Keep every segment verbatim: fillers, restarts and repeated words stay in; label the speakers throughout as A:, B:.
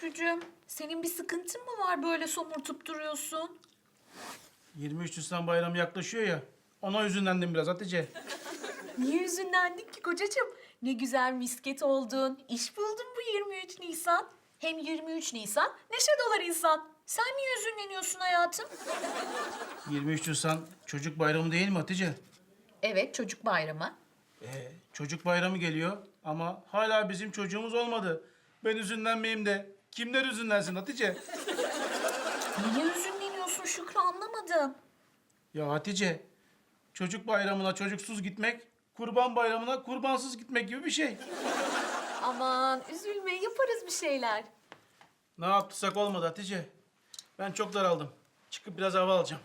A: Şükrücüğüm, senin bir sıkıntın mı var böyle somurtup duruyorsun?
B: yirmi üç Nisan bayramı yaklaşıyor ya. Ona üzünlendim biraz Hatice.
A: Niye üzünlendin ki kocacığım? Ne güzel misket oldun, iş buldun bu yirmi üç Nisan. Hem yirmi üç Nisan neşe dolar insan. Sen niye üzünleniyorsun hayatım?
B: yirmi üç Nisan çocuk bayramı değil mi Hatice?
A: Evet, çocuk bayramı.
B: Ee, çocuk bayramı geliyor ama hala bizim çocuğumuz olmadı. Ben üzünlenmeyeyim de kimler üzünlensin Hatice?
A: Niye üzünleniyorsun Şükrü anlamadım.
B: Ya Hatice, çocuk bayramına çocuksuz gitmek, kurban bayramına kurbansız gitmek gibi bir şey.
A: Aman üzülme, yaparız bir şeyler.
B: Ne yaptıysak olmadı Hatice. Ben çok daraldım. Çıkıp biraz hava alacağım.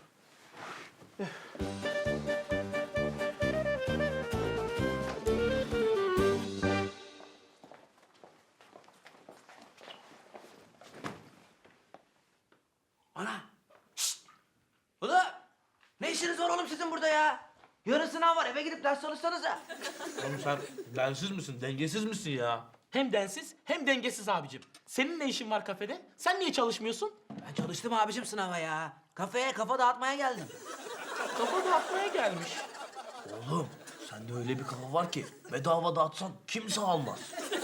C: Ana! Şşt! Ulan! Ne işiniz var oğlum sizin burada ya? Yarın sınav var, eve gidip ders çalışsanıza.
D: Oğlum sen densiz misin, dengesiz misin ya? Hem densiz hem dengesiz abicim. Senin ne işin var kafede? Sen niye çalışmıyorsun?
C: Ben çalıştım abicim sınava ya. Kafeye kafa dağıtmaya geldim.
D: Kafa dağıtmaya gelmiş. Oğlum sende öyle bir kafa var ki bedava dağıtsan kimse almaz.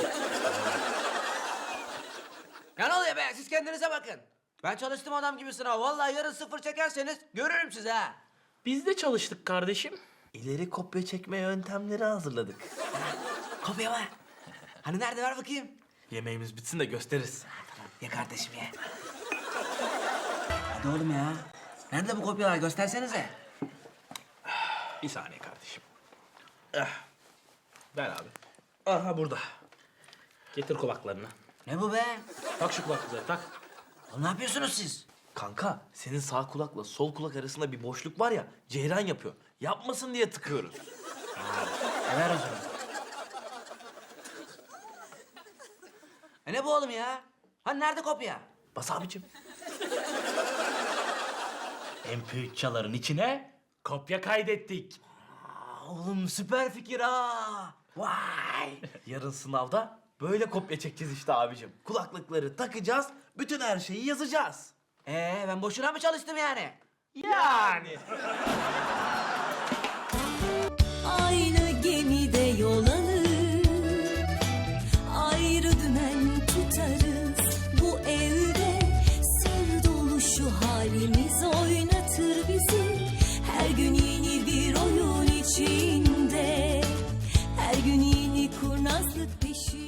C: Ya ne oluyor be? Siz kendinize bakın. Ben çalıştım adam gibi sınav. Vallahi yarın sıfır çekerseniz görürüm sizi ha.
D: Biz de çalıştık kardeşim. İleri kopya çekme yöntemleri hazırladık.
C: Kopya var. Hani nerede ver bakayım?
D: Yemeğimiz bitsin de gösteririz.
C: Ye kardeşim ye. Hadi oğlum ya. Nerede bu kopyalar? Göstersenize.
D: Bir saniye kardeşim. Ah. Ver abi. Aha burada. Getir kulaklarını.
C: Ne bu be?
D: Tak şu kulaklıkları tak.
C: Oğlum ne yapıyorsunuz siz?
D: Kanka senin sağ kulakla sol kulak arasında bir boşluk var ya ceyran yapıyor. Yapmasın diye tıkıyoruz.
C: E ver o zaman. E ne bu oğlum ya? Hani nerede kopya?
D: Bas abicim. M P üç çaların içine kopya kaydettik.
C: Aa, oğlum süper fikir ha. Vay.
D: Yarın sınavda böyle kopya çekeceğiz işte abicim. Kulaklıkları takacağız, bütün her şeyi yazacağız.
C: Ee ben boşuna mı çalıştım yani?
D: Yani.
E: Aynı gemide yol alır, ayrı dümen tutarız. Bu evde sır dolu şu halimiz oynatır bizi. Her gün yeni bir oyun içinde, her gün yeni kurnazlık peşinde.